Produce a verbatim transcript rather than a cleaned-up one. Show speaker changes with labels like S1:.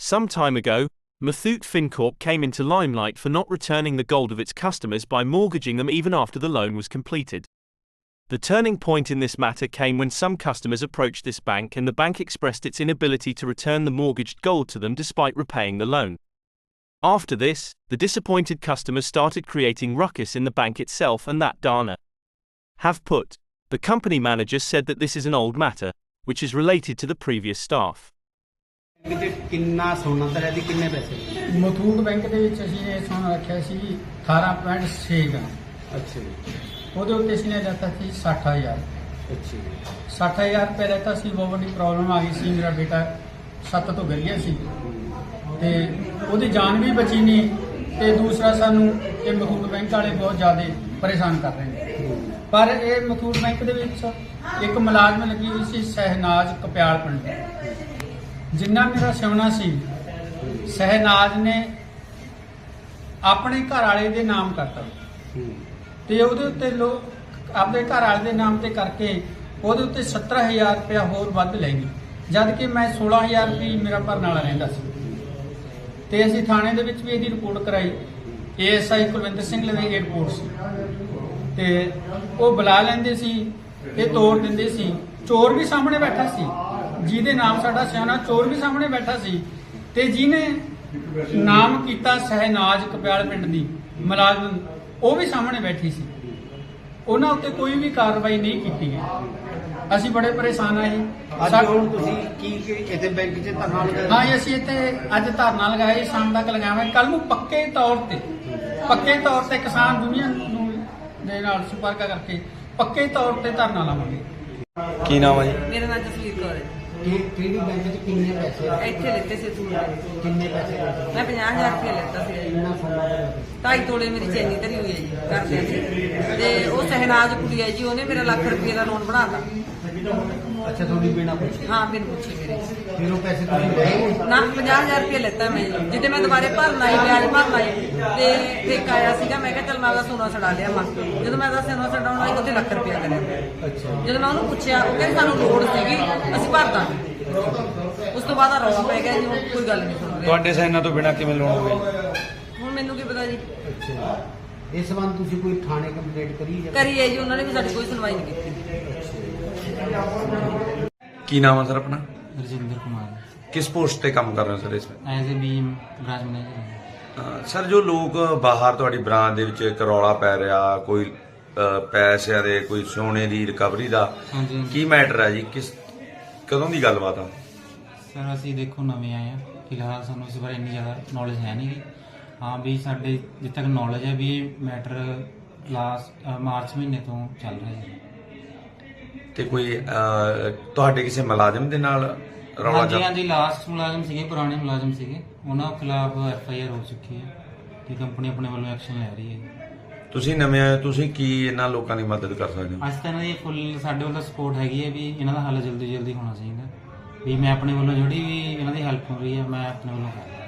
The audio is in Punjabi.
S1: Some time ago, Muthoot Fincorp came into limelight for not returning the gold of its customers by mortgaging them even after the loan was completed. The turning point in this matter came when some customers approached this bank and the bank expressed its inability to return the mortgaged gold to them despite repaying the loan. After this, the disappointed customers started creating ruckus in the bank itself, and that Dana have put. The company manager said that this is an old matter, which is related to the previous staff.
S2: ਕਿੰਨਾ ਸੋਨਾ ਤੇਰਾ ਦੀ ਕਿੰਨੇ ਪੈਸੇ
S3: ਮਥੂਟ ਬੈਂਕ ਦੇ ਵਿੱਚ ਅਸੀਂ ਇਹ ਸੋਨਾ ਰੱਖਿਆ ਸੀ ਅਠਾਰਾਂ ਪੁਆਇੰਟ ਛੇ ਗ੍ਰਾਮ।
S2: ਅੱਛਾ ਜੀ।
S3: ਉਹਦੇ ਉੱਤੇ ਅਸੀਂ ਨੇ ਦਿੱਤਾ ਸੀ ਸੱਠ ਹਜ਼ਾਰ।
S2: ਅੱਛਾ ਜੀ।
S3: ਸੱਠ ਹਜ਼ਾਰ ਰੁਪਏ ਦਿੱਤਾ ਸੀ। ਬਹੁਤ ਵੱਡੀ ਪ੍ਰੋਬਲਮ ਆ ਗਈ ਸੀ, ਮੇਰਾ ਬੇਟਾ ਸੱਤ ਤੋਂ ਗਿਰ ਗਿਆ ਸੀ ਤੇ ਉਹਦੀ ਜਾਨ ਵੀ ਬਚੀ ਨਹੀਂ ਤੇ ਦੂਸਰਾ ਸਾਨੂੰ ਇਹ ਮਥੂਟ ਬੈਂਕ ਵਾਲੇ ਬਹੁਤ ਜ਼ਿਆਦਾ ਪਰੇਸ਼ਾਨ ਕਰ ਰਹੇ ਨੇ। ਪਰ ਇਹ ਮਥੂਟ ਬੈਂਕ ਦੇ ਵਿੱਚ ਇੱਕ ਮੁਲਾਜ਼ਮ ਲੱਗੀ ਹੋਈ ਸੀ ਸਹਿਨਾਜ ਕਪਿਆਲ ਪਿੰਡ, ਜਿੰਨਾ ਮੇਰਾ ਸਿਉਣਾ ਸੀ ਸਹਿਨਾਜ ਨੇ ਆਪਣੇ ਘਰ ਵਾਲੇ ਦੇ ਨਾਮ ਕਰਤਾ ਤੇ ਉਹਦੇ ਉੱਤੇ ਲੋਕ ਆਪਣੇ ਘਰ ਵਾਲੇ ਦੇ ਨਾਮ ਤੇ ਕਰਕੇ ਉਹਦੇ ਉੱਤੇ ਸੱਤਰ ਹਜ਼ਾਰ ਰੁਪਇਆ ਹੋਰ ਵੱਧ ਲੈ ਗਈ, ਜਦ ਕਿ ਮੈਂ ਸੋਲਾਂ ਹਜ਼ਾਰ ਰੁਪਏ ਮੇਰਾ ਭਰਨ ਵਾਲਾ ਰਹਿੰਦਾ ਸੀ। ਤੇ ਅਸੀਂ ਥਾਣੇ ਦੇ ਵਿੱਚ ਵੀ ਇਹਦੀ ਰਿਪੋਰਟ ਕਰਾਈ। A S I Kulwinder Singh ਲਵੇ ਇਹ ਰਿਪੋਰਟ ਸੀ ਤੇ ਉਹ ਬੁਲਾ ਲੈਂਦੇ ਸੀ, ਇਹ ਤੋੜ ਦਿੰਦੇ ਸੀ। ਚੋਰ ਵੀ ਸਾਹਮਣੇ ਬੈਠਾ ਸੀ, ਜਿਹਦੇ ਨਾਮ ਸਾਡਾ ਸਿਆਣਾ ਚੋਰ ਵੀ ਸਾਹਮਣੇ ਬੈਠਾ ਸੀ ਤੇ ਜਿਹਨੇ ਨਾਮ ਕੀਤਾ ਸਹਿਨਾਜ ਕਪਿਆਲ ਪਿੰਡ ਦੀ ਮੁਲਾਜ਼ਮ, ਉਹ ਵੀ ਸਾਹਮਣੇ ਬੈਠੀ ਸੀ। ਉਹਨਾਂ ਉੱਤੇ ਕੋਈ ਵੀ ਕਾਰਵਾਈ ਨਹੀਂ ਕੀਤੀ ਗਈ। ਅਸੀਂ ਬੜੇ ਪਰੇਸ਼ਾਨ ਆਏ।
S2: ਅੱਜ ਹੁਣ ਤੁਸੀਂ ਕੀ ਇੱਥੇ ਬੈਂਕ 'ਚ ਧਰਨਾ ਲਗਾਇਆ?
S3: ਹਾਂ, ਅਸੀਂ ਇੱਥੇ ਅੱਜ ਧਰਨਾ ਲਗਾਇਆ, ਸ਼ਾਮ ਤੱਕ ਲਗਾਵਾਂਗੇ। ਕੱਲ ਨੂੰ ਪੱਕੇ ਤੌਰ ਤੇ ਪੱਕੇ ਤੌਰ ਤੇ ਕਿਸਾਨ ਯੂਨੀਅਨ ਨੂੰ ਦੇ ਨਾਲ ਸੰਪਰਕ ਕਰਕੇ ਪੱਕੇ ਤੌਰ ਤੇ ਧਰਨਾ ਲਾਵਾਂਗੇ।
S4: ਕੀ ਨਾਮ ਹੈ ਜੀ?
S5: ਮੇਰਾ ਨਾਮ ਜਸਵੀਰ ਕੌਰ ਹੈ।
S2: ਕਿਹੜੀ ਬੈਂਕ 'ਚ ਕਿੰਨੇ ਪੈਸੇ
S5: ਇੱਥੇ ਲਿੱਤੇ ਸੀ ਤੂੰ?
S2: ਕਿੰਨੇ ਪੈਸੇ
S5: ਮੈਂ ਪੰਜਾਹ ਹਜ਼ਾਰ ਰੁਪਏ ਲਿੱਤਾ ਸੀ।
S2: ਕਿੰਨਾ ਸੋਨਾ
S5: ਢਾਈ ਤੋਲੇ ਮੇਰੀ ਚੈਨੀ ਧਰੀ ਹੋਈ ਹੈ ਜੀ ਕਰਦੇ ਸੀ ਤੇ ਉਹ ਸਹਿਨਾਜ ਕੁੜੀ ਹੈ ਜੀ, ਉਹਨੇ ਮੇਰਾ ਲੱਖ ਰੁਪਏ ਦਾ ਲੋਨ ਬਣਾਤਾ।
S2: ਅੱਛਾ, ਤੁਹਾਡੀ ਬਿਨਾ ਪੁੱਛੇ?
S5: ਹਾਂ, ਬਿਨ ਪੁੱਛੇ ਮੇਰੇ।
S2: ਫਿਰ ਉਹ ਪੈਸੇ ਤੁਸੀਂ ਲਏ?
S5: ਨਾ, ਪੰਜਾਹ ਹਜ਼ਾਰ ਰੁਪਏ ਲਿੱਤਾ ਮੈਂ ਜੀ। ਜਿੱਦੇ ਮੈਂ ਦੁਬਾਰੇ ਭਰਨ ਆਈ, ਵਿਆਜ ਭਰਨ ਆਈ ਤੇ ਠੇਕਾ ਆਇਆ ਸੀਗਾ, ਮੈਂ ਕਿਹਾ ਚੱਲ ਮੈਂ ਉਹਦਾ ਸੋਨਾ ਛਡਾ ਲਿਆ ਮਾ। ਜਦੋਂ ਮੈਂ ਉਹਦਾ ਸੋਨਾ ਛਡਾਉਣ ਆਈ ਉੱਥੇ ਲੱਖ ਰੁਪਇਆ ਕਰਿਆ।
S2: ਅੱਛਾ।
S5: ਜਦੋਂ ਮੈਂ ਉਹਨੂੰ ਪੁੱਛਿਆ, ਉਹ ਕਹਿੰਦੇ ਸਾਨੂੰ ਲੋੜ ਸੀਗੀ, ਅਸੀਂ ਭਰ ਦਾਂਗੇ। ਉਸ ਤੋਂ ਬਾਅਦ ਰੌਲਾ ਪੈ ਗਿਆ ਜੀ, ਹੁਣ ਕੋਈ ਗੱਲ ਨਹੀਂ ਸੁਣ ਰਹੇ।
S4: ਤੁਹਾਡੇ ਸਾਈਨਾਂ ਤੋਂ ਬਿਨਾਂ ਕਿਵੇਂ ਲੋਨ ਹੋਵੇ?
S5: ਹੁਣ ਮੈਨੂੰ ਕੀ ਪਤਾ ਜੀ।
S2: ਅੱਛਾ, ਇਸ ਸੰਬੰਧ ਤੁਸੀਂ ਕੋਈ ਥਾਣੇ ਕੰਪਲੇਂਟ ਕਰੀ ਜਾਂ?
S5: ਕਰੀ ਹੈ ਜੀ, ਉਹਨਾਂ ਨੇ ਵੀ ਸਾਡੀ ਕੋਈ ਸੁਣਵਾਈ ਨਹੀਂ ਕੀਤੀ।
S4: ਕੀ ਨਾਮ ਹੈ ਸਰ ਆਪਣਾ?
S6: ਰਜਿੰਦਰ ਕੁਮਾਰ।
S4: ਕਿਸ ਪੋਸਟ ਤੇ ਕੰਮ ਕਰ ਰਹੇ ਹੋ ਸਰ इसमें?
S6: As a B branch manager.
S4: Sir, ਜੋ ਲੋਕ ਬਾਹਰ ਤੁਹਾਡੀ ਬ੍ਰਾਂਚ ਦੇ ਵਿੱਚ ਇੱਕ ਰੌਲਾ ਪੈ ਰਿਹਾ, ਕੋਈ ਅਹ, ਪੈਸਿਆਂ ਦੇ, ਕੋਈ ਸੋਨੇ ਦੀ ਰਿਕਵਰੀ ਦਾ,
S6: ਹਾਂਜੀ
S4: ਕੀ ਮੈਟਰ ਹੈ ਜੀ? ਕਿਸ ਕਦੋਂ ਦੀ ਗੱਲਬਾਤ ਆ?
S6: ਸਰ, ਅਸੀਂ ਦੇਖੋ ਨਵੇਂ ਆਏ ਆ, ਫਿਲਹਾਲ ਸਾਨੂੰ ਇਸ ਬਾਰੇ ਇੰਨੀ ਜ਼ਿਆਦਾ ਨੌਲੇਜ ਹੈ ਨਹੀਂ ਗੀ। ਹਾਂ ਵੀ ਸਾਡੇ ਜਿੱਥੇ ਤੱਕ ਨੌਲੇਜ ਹੈ ਵੀ ਇਹ ਮੈਟਰ ਲਾਸਟ ਮਾਰਚ ਮਹੀਨੇ ਤੋਂ ਚੱਲ ਰਿਹਾ ਹੈ।
S4: ਤੇ ਕੋਈ ਅਹ, ਤੁਹਾਡੇ ਕਿਸੇ ਮੁਲਾਜ਼ਮ ਦੇ ਨਾਲ ਰੌਲਾ
S6: ਹਾਂਜੀ
S4: ਚੱਲ-
S6: ਹਾਂਜੀ, ਲਾਸਟ ਮੁਲਾਜ਼ਮ ਸੀਗੇ, ਪੁਰਾਣੇ ਮੁਲਾਜ਼ਮ ਸੀਗੇ, ਉਹਨਾਂ ਖਿਲਾਫ ਐਫ ਆਈ ਆਰ ਹੋ ਚੁੱਕੀ ਹੈ ਤੇ ਕੰਪਨੀ ਆਪਣੇ ਵੱਲੋਂ ਐਕਸ਼ਨ ਲੈ ਰਹੀ ਹੈ।
S4: ਤੁਸੀਂ ਨਵੇਂ ਆਏ, ਤੁਸੀਂ ਕੀ ਇਹਨਾਂ ਲੋਕਾਂ ਦੀ ਮਦਦ ਕਰ ਸਕਦੇ ਹੋ?
S6: ਅੱਜ ਤਾਂ ਇਹਨਾਂ ਦੀ ਫੁੱਲ ਸਾਡੇ ਵੱਲੋਂ ਸਪੋਰਟ ਹੈਗੀ ਹੈ ਵੀ ਇਹਨਾਂ ਦਾ ਹੱਲ ਜਲਦੀ ਜਲਦੀ ਹੋਣਾ ਚਾਹੀਦਾ। ਵੀ ਮੈਂ ਆਪਣੇ ਵੱਲੋਂ ਜਿਹੜੀ ਵੀ ਇਹਨਾਂ ਦੀ ਹੈਲਪ ਹੋ ਰਹੀ ਹੈ, ਮੈਂ ਆਪਣੇ ਵੱਲੋਂ ਕਰ ਰਿਹਾ।